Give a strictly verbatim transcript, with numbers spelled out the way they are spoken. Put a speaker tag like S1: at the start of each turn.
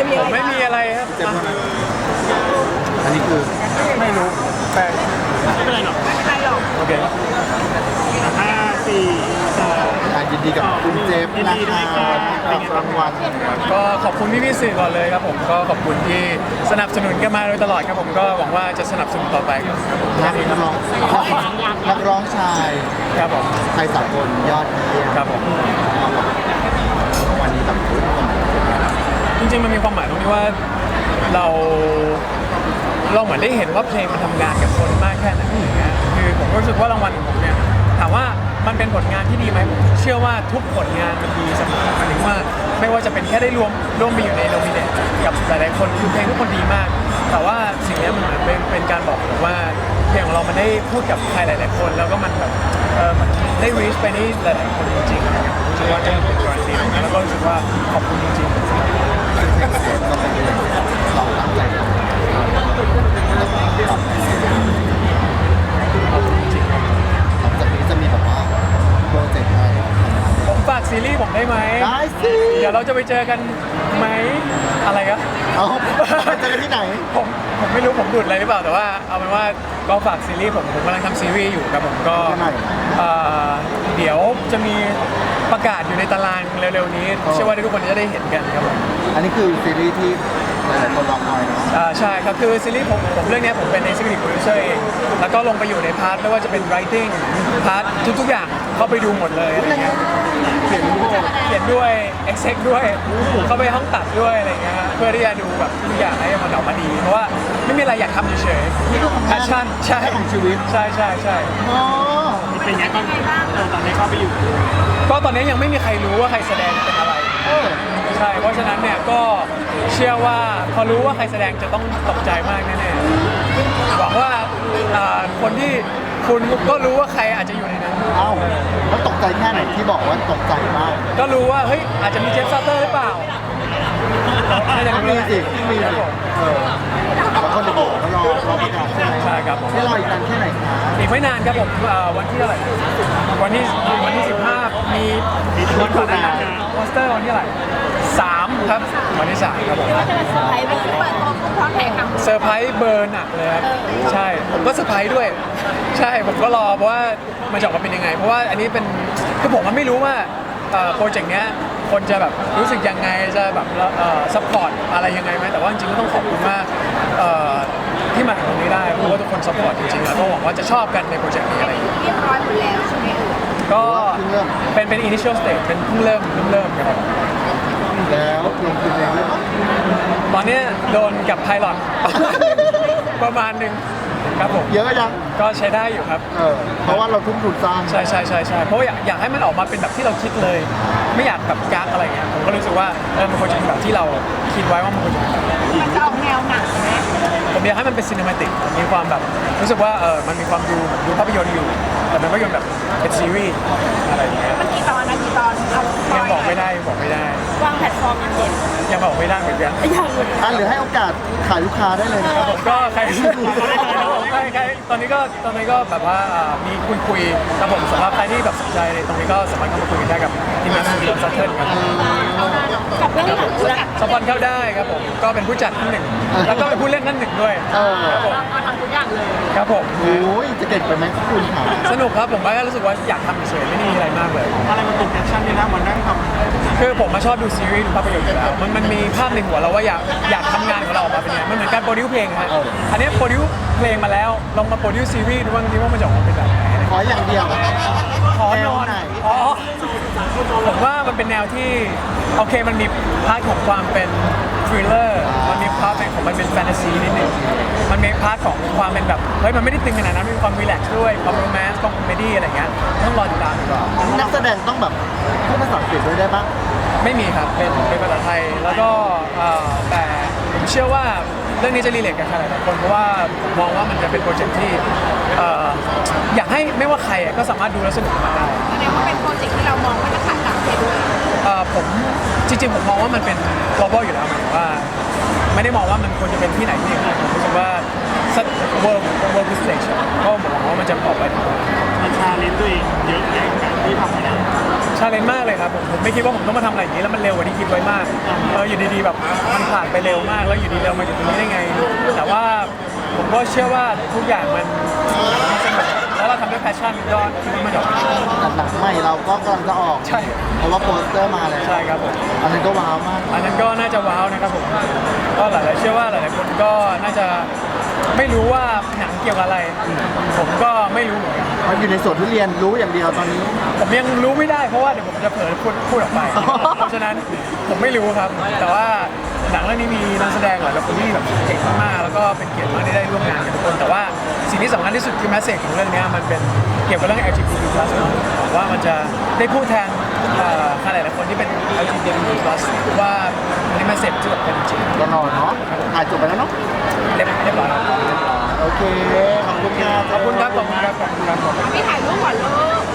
S1: ผมไม่มีอะไรครับ
S2: อันนี้คือ
S1: ไม่รู้แต่
S3: ไม่เป็นไรหรอก
S4: ไม่เป็นไรหรอก
S1: โอเค
S3: ห้าสี่สอง
S2: อ่ะยินดีกับคุณเจฟนะคะที่รับรางวัล
S1: ก็ขอบคุณพี่พี่ๆสื่อก่อนเลยครับผมก็ขอบคุณที่สนับสนุนกันมาโดยตลอดครับผมก็หวังว่าจะสนับสนุนต่อไปครับ
S2: นักร้องนักร้องชาย
S1: ครับผม
S2: ไทยสากลยอดเยี่ยม
S1: ครับผม
S2: วันนี้แบบทุกคน
S1: จริงๆมันมีความหมายตรงที่ว่าเราเราเหมือนได้เห็นว่าเพลงมันทำงานกับคนมากแค่ไหนอย่างเงี้ยคือผมก็รู้สึกว่ารางวัลของผมเนี่ยถามว่ามันเป็นผลงานที่ดีไหมผมเชื่อว่าทุกผลงานมันดีเสมอหมายถึงว่าไม่ว่าจะเป็นแค่ได้รวมร่วมไปอยู่ในโนมิเนตกับหลายๆคนคือเพลงทุกคนดีมาก แต่ว่าสิ่งนี้มันเหมือนเป็นเป็นการบอกผมว่าเพลงของเรามันได้พูดกับใครหลาย ๆ คน แล้วก็มันแบบเออมันได้ reach ไปที่หลายๆคนจริงๆนะครับผมรู้สึกว่านี่เป็นการันตีตรงนั้นแล้วก็รู้สึกว่าขอบคุณจริงๆ
S2: เจฟก็เป็นเรื่องเราตั้งใจทำ
S1: ขอบคุณจริงๆครับ
S2: หลังจากนี้จะมีแบบว่าโปรเจกต์อะไร
S1: ผมฝากซีรีส์ผมได้ไหม
S2: ได้สิ
S1: เดี๋ยวเราจะไปเจอกันไหมอะไรครับ
S2: เอาเจอกันที่ไหน
S1: ผมผมไม่รู้ผมดุดอะไรหรือเปล่าแต่ว่าเอาเป็นว่าก็ฝากซีรีส์ผมผมกำลังทำซีรีส์อยู่ครับผมก็
S2: ที่ไหน
S1: เอ่อเดี๋ยวจะมีประกาศอยู่ในตารางเร็วๆนี้เชื่อว่าทุกคนจะได้เห็นกันครับผม
S2: อันนี้คือซีรีส์ที่หลายๆคนรอคอยเนาะ
S1: อ่าใช่ครับคือซีรีส์ผมผมเรื่องเนี้ยผมเป็น executive producer เองแล้วก็ลงไปอยู่ในพาร์ทไม่ว่าจะเป็น writing พาร์ททุกๆอย่างเข้าไปดูหมดเลยอะไรเงี้ย
S2: เขียนรูป
S1: เขียนด้วย exec ด้วยเข้าไปห้องตัดด้วยอะไรเงี้ยฮะเพื่อที่จะดูแบบทุกอย่างให้มันออกมาดี เพราะว่าไม่มีอะไรอยากทำเฉย
S2: นี่ก็ของ
S1: ๆ passion ใช่
S2: ของชีวิต
S1: ใช่ใช่ใช่
S2: อ๋อ
S3: เป็นไงบ้างเออตอนนี้เข้าไปอยู่
S1: ก็ตอนนี้ยังไม่มีใครรู้ว่าใครแสดงเป็นอะไร
S2: เออ
S1: ใช่เพราะฉะนั้นเนี่ยก็เชื่อว่าพอรู้ว่าใครแสดงจะต้องตกใจมากแน่ๆหวังว่าอ่าคนที่คุณก็รู้ว่าใครอาจจะอยู่ในนั้น
S2: เอ้าแล้วตกใจแค่ไหนที่บอกว่าตกใจมาก
S1: ก็รู้ว่าเฮ้ยอาจจะมีเจฟซัตเตอร์หรือเปล่าน่าจะ
S2: มีสิมีสิเออแล้วคนเด็กๆก็รอรอประกาศใช่ไหม
S1: ใช่ครับผม
S2: นี่รออีกนานแค่ไหนคะ
S1: อีกไม่นานครับผมเอ่อวันที่เท่าไหร่วันที่วันที่สิบห้ามีมีวันก่อนหน้านั้นโปสเตอร์วันที่เท่าไหร่สามครับวันที่สามครับผม
S4: ว่าจะเป็นเซอร์ไพรส์เป็นเปิดตัวผู้พร้อมแข่งขัน
S1: เซอร์ไพรส์เบอร์หนักเลยครับใช่ผมก็เซอร์ไพรส์ด้วย ใช่ผมก็รอเพราะว่ามันจะออกมาเป็นยังไง เพราะว่าอันนี้เป็นคือผมมันไม่รู้ว่าโปรเจกต์เนี้ยคนจะแบบรู้สึกยังไงจะแบบซัพพอร์ตอะไรยังไงไหมแต่ว่าจริงๆก็ต้องขอบคุณมากเอ่อที่มาถึงตรงนี้ได้เพราะว่าทุกคนซัพพอร์ตจริงๆแล้วก็หวังว่าจะชอบกันในโปรเจกต์นี้อะไรอย่างเงี้ย
S4: เรียบร้อยหมดแล้วใช่ไหมเอ่ย
S1: ก็
S2: เพิ่งเริ่ม
S1: เป็นเป็น initial stage เป็นเพิ่งเริ่มเพิ่งเริ่มครับผม
S2: แล้วลงทุนเองด้วยปะ
S1: ตอนเนี้ยโดนกับไพลอต ประมาณหนึ่งครับผม
S2: เยอะยัง
S1: ก็ใช้ได้อยู่ครับ
S2: เออเพราะว่าเราทุ่มทุนสร้าง
S1: ใช่ใช่ใช่ใช่เพราะว่าอยากอยากให้มันออกมาเป็นแบบที่เราคิดเลย ไม่อยากแบบกักอะไรเงี้ยผมก็รู้สึกว่าเออมันควรจะเป็นแบบที่เราคิดไว้ว่ามันควรจะเป็นแบบ
S4: มันจะออกแนวหนังไหม
S1: ผมอยากให้มันเป็นซีนิมาติกมีความแบบรู้สึกว่าเออมันมีความดูดูภาพยนตร์อยู่ แต่เป็นภาพยนตร์แบบเป็นซีรีส์อะไรอย่างเงี้ย
S4: มันกี่ตอนนะกี่ตอนเอา
S1: ยังบอกไม่ได้บอกไม่ได้
S4: วางแพลตฟอร์มยังเด็ด
S1: ยังบอกไม่ได้เหมือนกัน
S4: ยังเลย
S2: อ่ะหรือให้โอกาสขายลูกค้าได้เลยนะครับ
S1: ผมก็ใครใครใครตอนนี้ก็ตอนนี้ก็แบบว่าอ่ามีคุยคุยๆครับผมสำหรับใครที่แบบสนใจในตรงนี้ก็สามารถเข้ามาคุยกันได้กับทีมงานสตูดิโอซัตเทิลครับ
S4: กับเรื่องหนังเรื่อง
S1: สปอนเข้าได้ครับผมก็เป็นผู้จัดท่านหนึ่ง แล้วก็เป็นผู้เล่นท่านหนึ่งด้วย
S2: เออ
S1: ครับผม
S4: มาทำทุกอย่างเลย
S1: ครับผม
S2: โอ้ยจะเก่งไปไหมคุณค่ะ
S1: สนุกครับผมก็รู้สึกว่าอยากทำเฉยๆไม่ได้มีอะไรมากเลย
S3: อะไรมันติดแอคชั่นนี่นะมันนั่งทำ
S1: คือผมมาชอบดูซีรีส์ดูภาพยนตร์อยู่แล้วมันมันมีภาพในหัวเราว่าอยากอยากทำงานของเราออกมาเป็นยังไงมันเหมือนการโปรดิวเพลงฮะอันนี้โปรดิวเพลงมาแล้วลองมาโปรดิวซีรีส์ดูบ้างดีว่ามันจะออกมาเป็นแบบไหน
S2: ขออย่างเดียว
S1: ขอนอน
S2: แนวไหน
S1: อ๋อผมว่ามันเป็นแนวที่โอเคมันมีพาร์ทของความเป็นทริลเลอร์มันมีพาร์ทของมันเป็นแฟนตาซีนิดนึงมันมีพาร์ทของความเป็นแบบเฮ้ยมันไม่ได้ตึงขนาดนั้นมีความรีแลกซ์ด้วยความโรแมนต์ความคอมเมดี้อะไรเงี้ยต้องรอติดตามดีกว่า
S2: นักแสดงต้องแบบพูดภาษาอังกฤษด้วยได้ปะ
S1: ไม่มีครับเป็นเป็นภาษาไทยแล้วก็เอ่อแต่ผมเชื่อว่าเรื่องนี้จะรีเลทกับใครหลายๆคนเพราะว่าผมมองว่ามันจะเป็นโปรเจกต์ที่เอ่ออยากให้ไม่ว่าใครอ่ะก็สามารถดูแล้วสนุกกับมันได้
S4: แสดงว่าเป็นโปรเจกต์ที่เรามองว่าจะขายต่างประเทศด้วย
S1: เอ่อผมจริงๆผมมองว่ามันเป็น global อยู่แล้วหมายถึงว่าไม่ได้มองว่ามันควรจะเป็นที่ไหนที่ไหนผมรู้สึกว่า world world stage ก็ผมมองว่ามันจะออกไป
S3: มีชาเลนจ์ตัวเองเยอะแยะกับการที่ทำงาน
S1: ชาเลนจ์มากเลยครับผมผมไม่คิดว่าผมต้องมาทำอะไรอย่างนี้แล้วมันเร็วกว่าที่คิดไว้มากเอออยู่ดีๆแบบมันผ่านไปเร็วมากแล้วอยู่ดีเรามาอยู่ตรงนี้ได้ไง แต่ว่าผมก็เชื่อว่าทุกอย่างมันมันสนุกแล้วเราทำด้วยแพชชั่นก็คิดว่ามันจะออกมาดี
S2: แต่หนังใหม่เราก็กำลังจะออก
S1: ใช่
S2: เพราะว่าโปสเตอร์มาแล้ว
S1: ใช่ครับผม
S2: อันนั้นก็ว้าวมาก
S1: อันนั้นก็น่าจะว้าวนะครับผมก็หลายๆเชื่อว่าหลายๆคนก็น่าจะไม่รู้ว่าหนังเกี่ยวกับอะไร ผมก็ไม่รู้เหมือนกัน
S2: มันอยู่ในสวนทุเรียนรู้อย่างเดียวตอนนี้
S1: ผมยังรู้ไม่ได้เพราะว่าเดี๋ยวผมจะเผลอพูดพูดออกไป เพราะฉะนั้นผมไม่รู้ครับ แต่ว่าหนังเรื่องนี้มีนักแสดงหลายคนที่แบบเก่งมากๆแล้วก็เป็นเกียรติมากที่ได้ร่วมงานกับทุกคน แต่ว่าสิ่งที่สำคัญที่สุดคือแมสเซจของเรื่องนี้มันเป็นเกี่ยวกับเรื่อง แอล จี บี ที พลัส ว่ามันจะได้พูดแทนเอ่อใครหลายๆคนที่เป็น แอล จี บี ที พลัส ว่าในแมสเซจที่แบบเป็นจริง
S2: ก็นอนเนาะถ่ายจบไปแล้วเนาะ
S1: เรียบเรียบร้อยแล้ว
S2: โอเค ขอบคุณครับ
S1: ขอบคุณครับขอบคุณครับขอบคุณครับ
S4: พี่ถ่ายรูปก่อนลูก